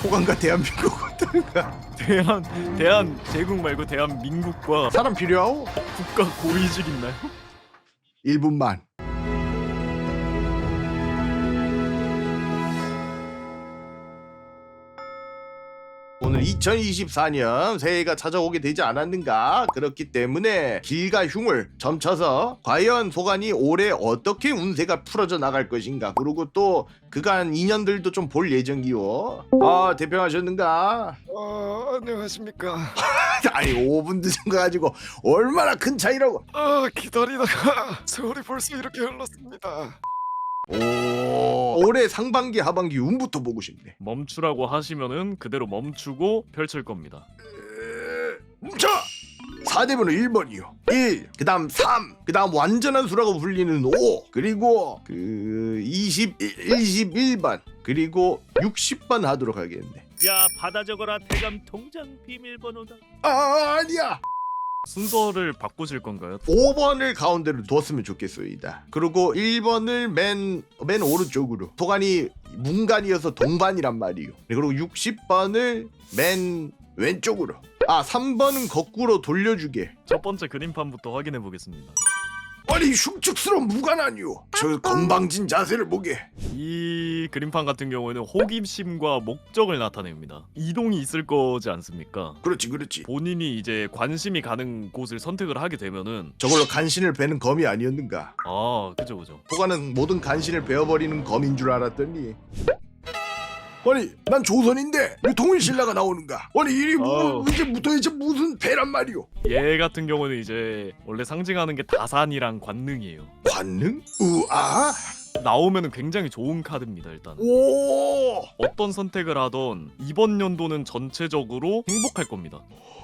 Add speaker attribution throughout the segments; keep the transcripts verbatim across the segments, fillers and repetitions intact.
Speaker 1: 소관과 대한민국 어떤가?
Speaker 2: 대한 대한 제국 말고 대한민국과
Speaker 1: 사람 필요하오?
Speaker 2: 국가 고위직 있나요?
Speaker 1: 일 분만. 오늘 이천이십사 년 새해가 찾아오게 되지 않았는가? 그렇기 때문에 길가 흉을 점쳐서 과연 소관이 올해 어떻게 운세가 풀어져 나갈 것인가? 그리고 또 그간 인연들도 좀 볼 예정이요. 아, 대평하셨는가?
Speaker 3: 어, 안녕하십니까.
Speaker 1: 아니 오 분 늦은 거 가지고 얼마나 큰 차이라고.
Speaker 3: 아, 기다리다가 세월이 벌써 이렇게 흘렀습니다.
Speaker 1: 오, 올해 상반기 하반기 운부터 보고 싶네.
Speaker 2: 멈추라고 하시면은 그대로 멈추고 펼칠 겁니다.
Speaker 1: 멈춰! 사 대문은 일 번이요. 일, 그 다음 삼, 그 다음 완전한 수라고 불리는 오, 그리고 그 이십일, 이십일 번, 그리고 육십 번 하도록 하겠네.
Speaker 4: 야, 받아 적어라. 대감 통장 비밀번호다.
Speaker 1: 아, 아니야.
Speaker 2: 순서를 바꾸실 건가요?
Speaker 1: 오 번을 가운데로 뒀으면 좋겠소이다. 그리고 일 번을 맨, 맨 오른쪽으로. 소관이 문간이어서 동반이란 말이요. 그리고 육십 번을 맨 왼쪽으로. 아, 삼 번은 거꾸로 돌려주게.
Speaker 2: 첫 번째 그림판부터 확인해 보겠습니다.
Speaker 1: 아니 흉측스러운 무관 아니오. 저 건방진 자세를 보게.
Speaker 2: 이 그림판 같은 경우에는 호기심과 목적을 나타냅니다. 이동이 있을 거지 않습니까?
Speaker 1: 그렇지 그렇지.
Speaker 2: 본인이 이제 관심이 가는 곳을 선택을 하게 되면은
Speaker 1: 저걸로 간신을 베는 검이 아니었는가.
Speaker 2: 아, 그죠 그죠.
Speaker 1: 호가는 모든 간신을 베어버리는 검인 줄 알았더니, 아니 난 조선인데 왜 통일신라가 나오는가. 아니 이리
Speaker 2: 어우.
Speaker 1: 뭐 이제 도대체 무슨 배란 말이오.
Speaker 2: 얘 같은 경우는 이제 원래 상징하는 게 다산이랑 관능이에요.
Speaker 1: 관능? 우아?
Speaker 2: 나오면은 굉장히 좋은 카드입니다. 일단
Speaker 1: 오.
Speaker 2: 어떤 선택을 하던 이번 연도는 전체적으로 행복할 겁니다.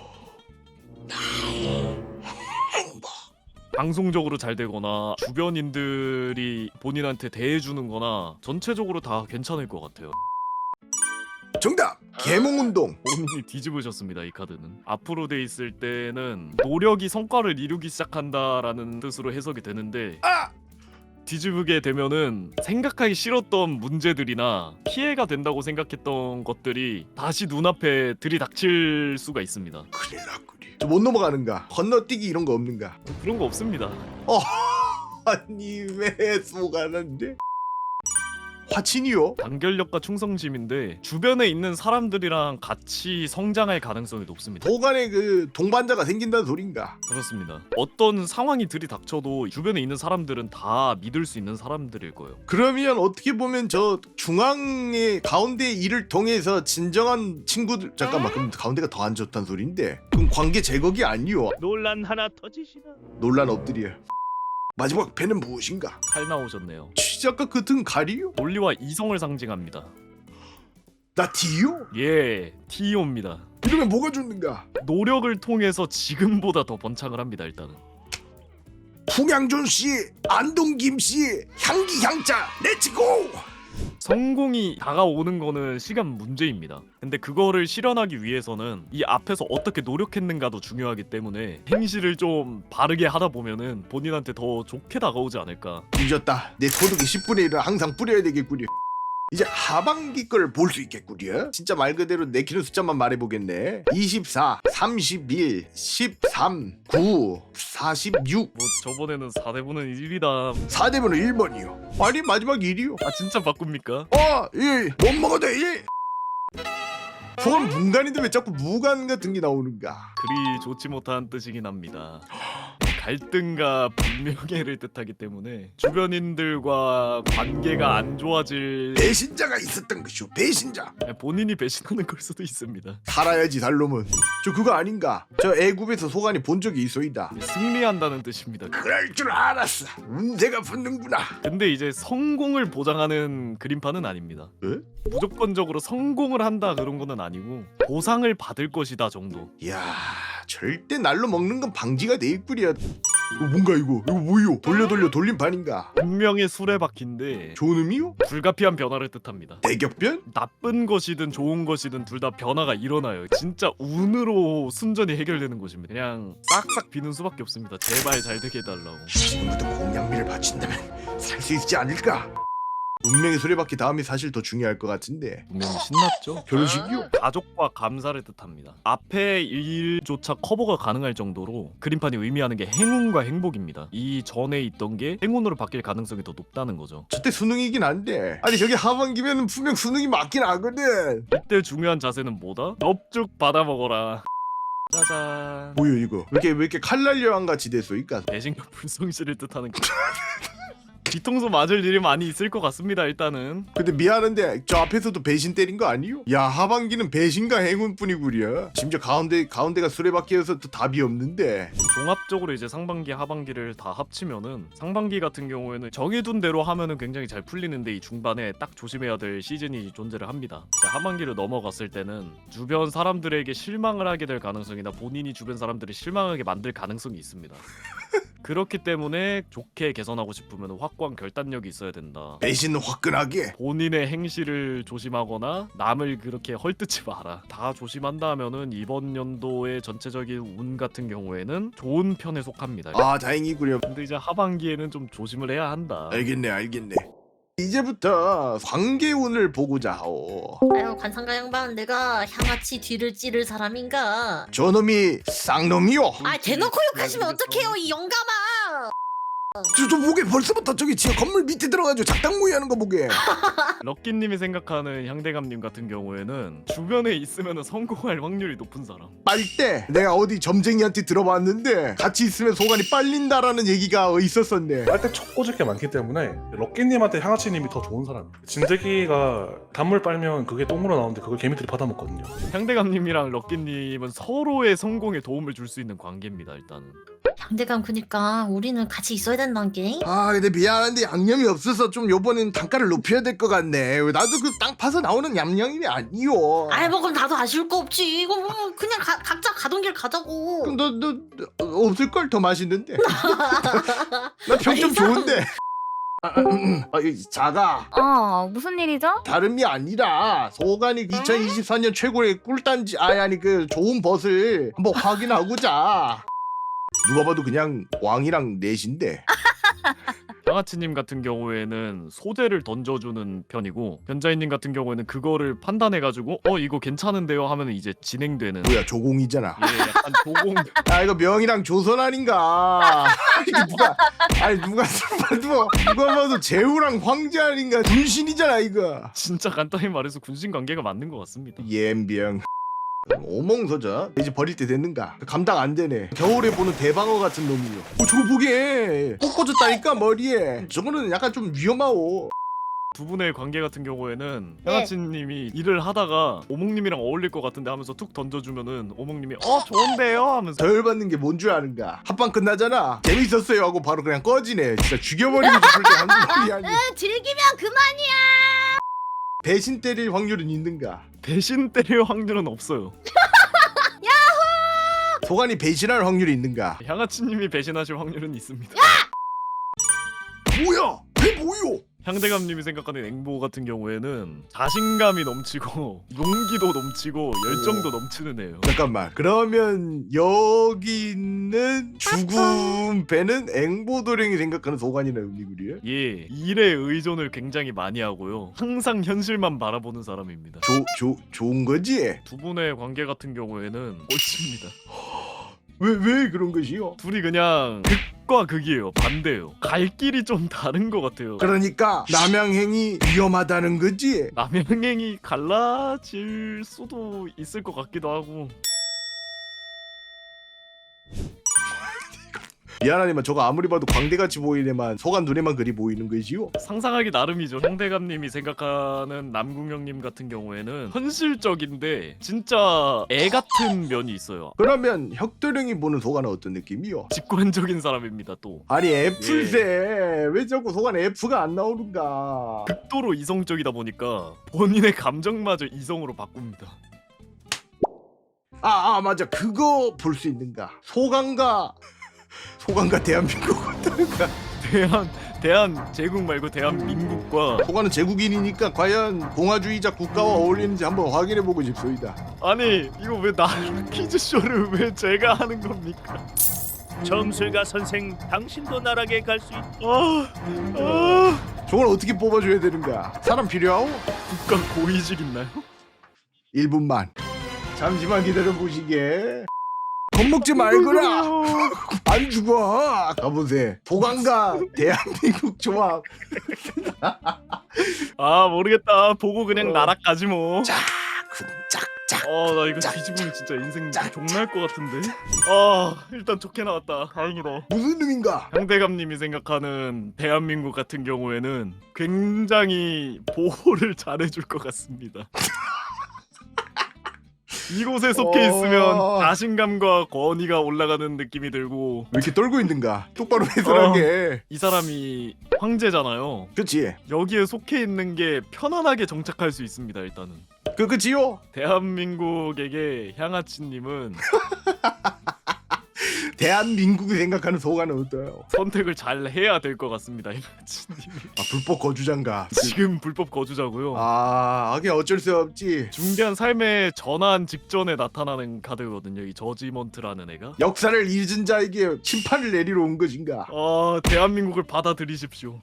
Speaker 2: 방송적으로 잘 되거나 주변인들이 본인한테 대해주는 거나 전체적으로 다 괜찮을 것 같아요.
Speaker 1: 정답. 계몽운동.
Speaker 2: 본인이 뒤집으셨습니다. 이 카드는 앞으로 돼 있을 때는 노력이 성과를 이루기 시작한다라는 뜻으로 해석이 되는데,
Speaker 1: 아.
Speaker 2: 뒤집게 되면은 생각하기 싫었던 문제들이나 피해가 된다고 생각했던 것들이 다시 눈앞에 들이닥칠 수가 있습니다.
Speaker 1: 큰일 났구리. 저 못 넘어가는가? 건너뛰기 이런 거 없는가?
Speaker 2: 그런 거 없습니다.
Speaker 1: 어. 아니 왜 쏘가는데? 화친이요?
Speaker 2: 단결력과 충성심인데 주변에 있는 사람들이랑 같이 성장할 가능성이 높습니다.
Speaker 1: 도간에 그 동반자가 생긴다는 소린가?
Speaker 2: 그렇습니다. 어떤 상황이 들이닥쳐도 주변에 있는 사람들은 다 믿을 수 있는 사람들일 거예요.
Speaker 1: 그러면 어떻게 보면 저 중앙의 가운데 일을 통해서 진정한 친구들, 잠깐만, 그럼 가운데가 더 안 좋다는 소린데, 그럼 관계 제거기 아니요?
Speaker 4: 논란 하나 터지시나?
Speaker 1: 논란 엎드려. 마지막 배는 무엇인가?
Speaker 2: 칼 나오셨네요.
Speaker 1: 시작과 끝은 가리요?
Speaker 2: 논리와 이성을 상징합니다.
Speaker 1: 나 D요?
Speaker 2: 예, 티오입니다.
Speaker 1: 이러면 뭐가 좋는가?
Speaker 2: 노력을 통해서 지금보다 더 번창을 합니다. 일단은
Speaker 1: 풍양존씨, 안동김씨, 향기 향자, 렛츠고!
Speaker 2: 성공이 다가오는 거는 시간 문제입니다. 근데 그거를 실현하기 위해서는 이 앞에서 어떻게 노력했는가도 중요하기 때문에 행실을 좀 바르게 하다 보면은 본인한테 더 좋게 다가오지 않을까.
Speaker 1: 잊었다. 내 소득의 십분의 일은 항상 뿌려야 되겠구려. 이제 하반기 걸 볼 수 있겠구려. 진짜 말 그대로 내키는 숫자만 말해보겠네. 이십사, 삼십일, 십삼, 구, 사십육.
Speaker 2: 뭐 저번에는 사 대분은 일이다.
Speaker 1: 사 대문은 일 번이요. 아니 마지막 일이요.
Speaker 2: 아 진짜 바꿉니까?
Speaker 1: 어, 일. 못 먹어도 일. 소원 문간인데 왜 자꾸 무간 같은 게 나오는가?
Speaker 2: 그리 좋지 못한 뜻이긴 합니다. 갈등과 불명예를 뜻하기 때문에 주변인들과 관계가 안 좋아질,
Speaker 1: 배신자가 있었던 것이오. 배신자.
Speaker 2: 본인이 배신하는 걸 수도 있습니다.
Speaker 1: 살아야지 살놈은. 저 그거 아닌가? 저 애굽에서 소관이 본 적이 있어이다.
Speaker 2: 승리한다는 뜻입니다.
Speaker 1: 그럴 줄 알았어. 운세가 붙는구나.
Speaker 2: 근데 이제 성공을 보장하는 그림판은 아닙니다.
Speaker 1: 에?
Speaker 2: 무조건적으로 성공을 한다 그런 거는 아니고 보상을 받을 것이다 정도.
Speaker 1: 이야, 절대 날로 먹는 건 방지가 돼 있구려. 이거 뭔가 이거? 이거 뭐요? 돌려 돌려 돌림판인가?
Speaker 2: 운명의 수레바퀴인데
Speaker 1: 좋은 의미요?
Speaker 2: 불가피한 변화를 뜻합니다.
Speaker 1: 대격변?
Speaker 2: 나쁜 것이든 좋은 것이든 둘 다 변화가 일어나요. 진짜 운으로 순전히 해결되는 것입니다. 그냥 싹싹 비는 수밖에 없습니다. 제발 잘 되게 해달라고.
Speaker 1: 지금부터 공양미를 바친다면 살 수 있지 않을까? 운명의 수레바퀴 다음이 사실 더 중요할 것 같은데.
Speaker 2: 분명히 신났죠.
Speaker 1: 결혼식이요?
Speaker 2: 가족과 감사를 뜻합니다. 앞에 일조차 커버가 가능할 정도로 그림판이 의미하는 게 행운과 행복입니다. 이 전에 있던 게 행운으로 바뀔 가능성이 더 높다는 거죠.
Speaker 1: 저때 수능이긴 한데 아니 저기 하반기면 분명 수능이 맞긴 하거든.
Speaker 2: 이때 중요한 자세는 뭐다? 넙죽 받아 먹어라. 짜잔.
Speaker 1: 뭐야 이거 왜 이렇게 왜 이렇게 칼날 여왕 같이 됐어 이까.
Speaker 2: 배신과 불성실을 뜻하는 게 뒤통수 맞을 일이 많이 있을 것 같습니다. 일단은
Speaker 1: 근데 미안한데 저 앞에서도 배신 때린 거 아니요? 야 하반기는 배신과 행운뿐이구려. 심지어 가운데 가운데가 수레바퀴여서 또 답이 없는데.
Speaker 2: 종합적으로 이제 상반기 하반기를 다 합치면은 상반기 같은 경우에는 정해둔 대로 하면은 굉장히 잘 풀리는데 이 중반에 딱 조심해야 될 시즌이 존재를 합니다. 자, 하반기를 넘어갔을 때는 주변 사람들에게 실망을 하게 될 가능성이나 본인이 주변 사람들을 실망하게 만들 가능성이 있습니다. 그렇기 때문에 좋게 개선하고 싶으면 확고한 결단력이 있어야 된다.
Speaker 1: 배신은 화끈하게.
Speaker 2: 본인의 행실을 조심하거나 남을 그렇게 헐뜯지 마라. 다 조심한다 하면은 이번 연도의 전체적인 운 같은 경우에는 좋은 편에 속합니다.
Speaker 1: 아 다행이구려.
Speaker 2: 근데 이제 하반기에는 좀 조심을 해야 한다.
Speaker 1: 알겠네 알겠네. 이제부터 관계운을 보고자 하오.
Speaker 5: 아유 관상가 양반 내가 향아치 뒤를 찌를 사람인가?
Speaker 1: 저놈이 쌍놈이요.
Speaker 5: 아 대놓고 욕하시면 어떡해요 이 영감아.
Speaker 1: 저, 저 보게 벌써부터 저기 지하 건물 밑에 들어가지고 작당 모의 하는 거 보게.
Speaker 2: 럭키님이 생각하는 향대감님 같은 경우에는 주변에 있으면 성공할 확률이 높은 사람.
Speaker 1: 빨대 내가 어디 점쟁이한테 들어봤는데 같이 있으면 소관이 빨린다라는 얘기가 있었었네.
Speaker 3: 빨대 촉 꽂을 게 많기 때문에 럭키님한테 향아치님이 더 좋은 사람. 진드기가 단물 빨면 그게 똥으로 나오는데 그걸 개미들이 받아먹거든요.
Speaker 2: 향대감님이랑 럭키님은 서로의 성공에 도움을 줄 수 있는 관계입니다. 일단은.
Speaker 5: 양대감 그니까 우리는 같이 있어야 된다는 게.
Speaker 1: 아 근데 미안한데 양념이 없어서 좀 요번엔 단가를 높여야 될 것 같네. 나도 그 땅 파서 나오는 얌양임이 아니요.
Speaker 5: 아이 뭐 그럼 나도 아쉬울 거 없지. 이거 뭐 그냥 가, 각자 가던 길 가자고.
Speaker 1: 그럼 너, 너, 너 없을걸 더 맛있는데. 나 평점 좋은데. 아, 음, 아, 이 자가
Speaker 6: 어, 무슨 일이죠?
Speaker 1: 다름이 아니라 소관이 이천이십사 년 최고의 꿀단지 아니 아니 그 좋은 벗을 한번 확인하고자. 누가 봐도 그냥 왕이랑 넷인데.
Speaker 2: 양아치님 같은 경우에는 소재를 던져주는 편이고 변자인님 같은 경우에는 그거를 판단해가지고 어 이거 괜찮은데요 하면 이제 진행되는.
Speaker 1: 뭐야 조공이잖아.
Speaker 2: 예, 약간 조공.
Speaker 1: 아 이거 명이랑 조선 아닌가. 이게 누가 아니 누가 누가 누가 봐도 제후랑 황제 아닌가. 분신이잖아 이거.
Speaker 2: 진짜 간단히 말해서 군신 관계가 맞는 것 같습니다.
Speaker 1: 옌병. 오몽서자 이제 버릴 때 됐는가? 감당 안 되네. 겨울에 보는 대방어 같은 놈이요. 어 저거 보게 꼭 꽂았다니까 머리에. 저거는 약간 좀 위험하오.
Speaker 2: 두 분의 관계 같은 경우에는
Speaker 5: 네.
Speaker 2: 양아치님이 일을 하다가 오목님이랑 어울릴 것 같은데 하면서 툭 던져주면은 오목님이 어 좋은데요 하면서
Speaker 1: 덜 받는 게 뭔 줄 아는가? 합방 끝나잖아. 재밌었어요 하고 바로 그냥 꺼지네. 진짜 죽여버리고 싶을 때 하는 소리 아니.
Speaker 5: 응 즐기면 그만이야.
Speaker 1: 배신 때릴 확률은 있는가?
Speaker 2: 배신 때릴 확률은 없어요.
Speaker 1: 소관이 배신할 확률이 있는가?
Speaker 2: 양아치님이 배신하실 확률은 있습니다.
Speaker 1: 뭐야? 배 뭐요?
Speaker 2: 향대감님이 생각하는 앵보 같은 경우에는 자신감이 넘치고 용기도 넘치고 열정도 넘치는 애예요.
Speaker 1: 잠깐만. 그러면 여기 있는 죽음 배는 앵보도령이 생각하는 소관이나 의미구리요?
Speaker 2: 예, 일에 의존을 굉장히 많이 하고요. 항상 현실만 바라보는 사람입니다.
Speaker 1: 조, 조, 좋은 거지?
Speaker 2: 두 분의 관계 같은 경우에는 꼴찌입니다.
Speaker 1: 왜, 왜 그런 것이요?
Speaker 2: 둘이 그냥 극과 극이에요. 반대예요. 갈 길이 좀 다른 것 같아요.
Speaker 1: 그러니까 남양행이 위험하다는 거지?
Speaker 2: 남양행이 갈라질 수도 있을 것 같기도 하고.
Speaker 1: 미안하지만 저거 아무리 봐도 광대같이 보이네만 소관 눈에만 그리 보이는 것이요?
Speaker 2: 상상하기 나름이죠. 향대감님이 생각하는 남궁영님 같은 경우에는 현실적인데 진짜 애 같은 면이 있어요.
Speaker 1: 그러면 혁도령이 보는 소관은 어떤 느낌이요?
Speaker 2: 직관적인 사람입니다. 또
Speaker 1: 아니 F세 왜 자꾸 소관 F가 안 나오는가?
Speaker 2: 극도로 이성적이다 보니까 본인의 감정마저 이성으로 바꿉니다.
Speaker 1: 아, 아 맞아 그거 볼 수 있는가? 소관과 소관과 대한민국 어떤가?
Speaker 2: 대한 대한 제국 말고 대한민국과
Speaker 1: 소관은 제국인이니까 과연 공화주의자 국가와 어울리는지 한번 확인해보고 싶소이다.
Speaker 2: 아니 이거 왜 나 퀴즈쇼를 왜 제가 하는 겁니까?
Speaker 4: 점술가 선생 당신도 나락에 갈 수 있다.
Speaker 2: 아, 아.
Speaker 1: 저걸 어떻게 뽑아줘야 되는가? 사람 필요하오?
Speaker 2: 국가 고위직 있나요?
Speaker 1: 일 분만 잠시만 기다려보시게. 겁먹지 말거라. 안 죽어. 가보세. 보강가 대한민국 조합.
Speaker 2: 아 모르겠다. 보고 그냥
Speaker 1: 어.
Speaker 2: 나락가지 뭐.
Speaker 1: 짝짝.
Speaker 2: 어 나 이거
Speaker 1: 짝,
Speaker 2: 뒤집으면 진짜 인생
Speaker 1: 짝,
Speaker 2: 종날 것 같은데. 아 일단 좋게 나왔다. 다행이다.
Speaker 1: 무슨 의미인가?
Speaker 2: 향대감님이 생각하는 대한민국 같은 경우에는 굉장히 보호를 잘해줄 것 같습니다. 이곳에 속해
Speaker 1: 어.
Speaker 2: 있으면 자신감과 권위가 올라가는 느낌이 들고
Speaker 1: 왜 이렇게 떨고 있는가? 똑바로 해설하게.
Speaker 2: 이 사람이 황제잖아요.
Speaker 1: 그치?
Speaker 2: 여기에 속해 있는 게 편안하게 정착할 수 있습니다. 일단은
Speaker 1: 그 그치요?
Speaker 2: 대한민국에게 향아치님은
Speaker 1: 대한민국이 생각하는 소관은 어때요?
Speaker 2: 선택을 잘 해야 될 것 같습니다. 향아치님이
Speaker 1: 아 불법 거주장가.
Speaker 2: 지금 불법 거주자고요.
Speaker 1: 아 하긴 어쩔 수 없지.
Speaker 2: 중대한 삶의 전환 직전에 나타나는 카드거든요. 이 저지먼트라는 애가.
Speaker 1: 역사를 잊은 자에게 심판을 내리러 온 것인가?
Speaker 2: 어 대한민국을 받아들이십시오.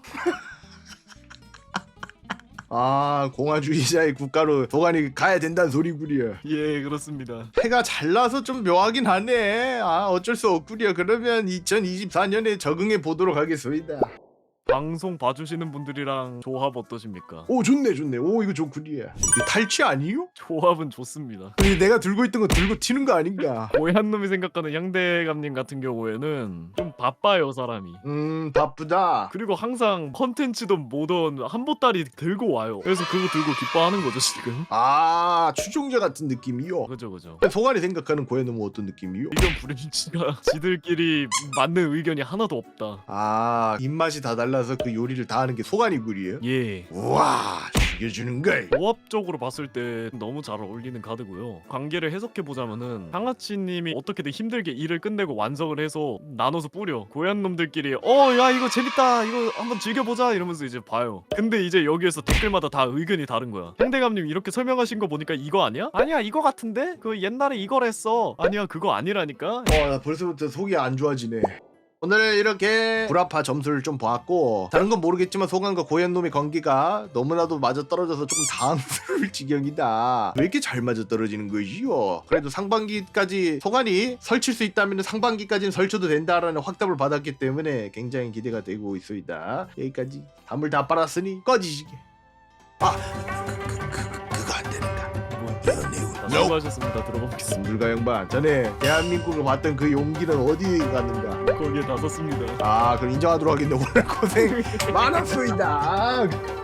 Speaker 1: 아 공화주의자의 국가로 도관이 가야 된다는 소리구려.
Speaker 2: 예 그렇습니다.
Speaker 1: 해가 잘 나서 좀 묘하긴 하네. 아 어쩔 수 없구려. 그러면 이천이십사 년에 적응해 보도록 하겠습니다.
Speaker 2: 방송 봐주시는 분들이랑 조합 어떠십니까?
Speaker 1: 오 좋네 좋네. 오 이거 좋구려. 이거 탈취 아니요?
Speaker 2: 조합은 좋습니다.
Speaker 1: 근데 내가 들고 있던 거 들고 튀는 거 아닌가?
Speaker 2: 고얀 놈이 생각하는 향대감님 같은 경우에는 좀 바빠요 사람이.
Speaker 1: 음 바쁘다.
Speaker 2: 그리고 항상 컨텐츠든 뭐든 한보따리 들고 와요. 그래서 그거 들고 기뻐하는 거죠 지금.
Speaker 1: 아 추종자 같은 느낌이요.
Speaker 2: 그죠 그죠.
Speaker 1: 소관이 생각하는 고해놈은 어떤 느낌이요?
Speaker 2: 의견 불일치가 지들끼리 맞는 의견이 하나도 없다.
Speaker 1: 아 입맛이 다 달라서 그 요리를 다 하는 게 소관이구리요?
Speaker 2: 예.
Speaker 1: 우와 죽여주는 걸.
Speaker 2: 조합적으로 봤을 때 너무 잘 어울리는 카드고요. 관계를 해석해 보자면은 향아치님이 어떻게든 힘들게 일을 끝내고 완성을 해서 나눠서 뿌려. 고얀 놈들끼리 어 야 이거 재밌다 이거 한번 즐겨보자 이러면서 이제 봐요. 근데 이제 여기에서 댓글마다 다 의견이 다른 거야. 향대감님 이렇게 설명하신 거 보니까 이거 아니야? 아니야 이거 같은데? 그 옛날에 이걸 했어. 아니야 그거 아니라니까.
Speaker 1: 어나 벌써부터 속이 안 좋아지네. 오늘 이렇게 불합화 점수를 좀 보았고 다른 건 모르겠지만 소관과 고현놈의 관계가 너무나도 맞아떨어져서 조금 당황스러울 지경이다. 왜 이렇게 잘 맞아떨어지는 것이요? 그래도 상반기까지 소관이 설칠 수 있다면 상반기까지는 설쳐도 된다라는 확답을 받았기 때문에 굉장히 기대가 되고 있습니다. 여기까지 담을 다 빨았으니 꺼지시게. 아 그, 그, 그, 그거 안 되는가? 연애운
Speaker 2: 자, 수고하셨습니다. 들어보겠습니다.
Speaker 1: 물가 양반 전에 대한민국을 봤던 그 용기는 어디 갔는가?
Speaker 2: 거기에 나섰습니다.
Speaker 1: 아 그럼 인정하도록 하겠네. 오늘 고생 많았습니다.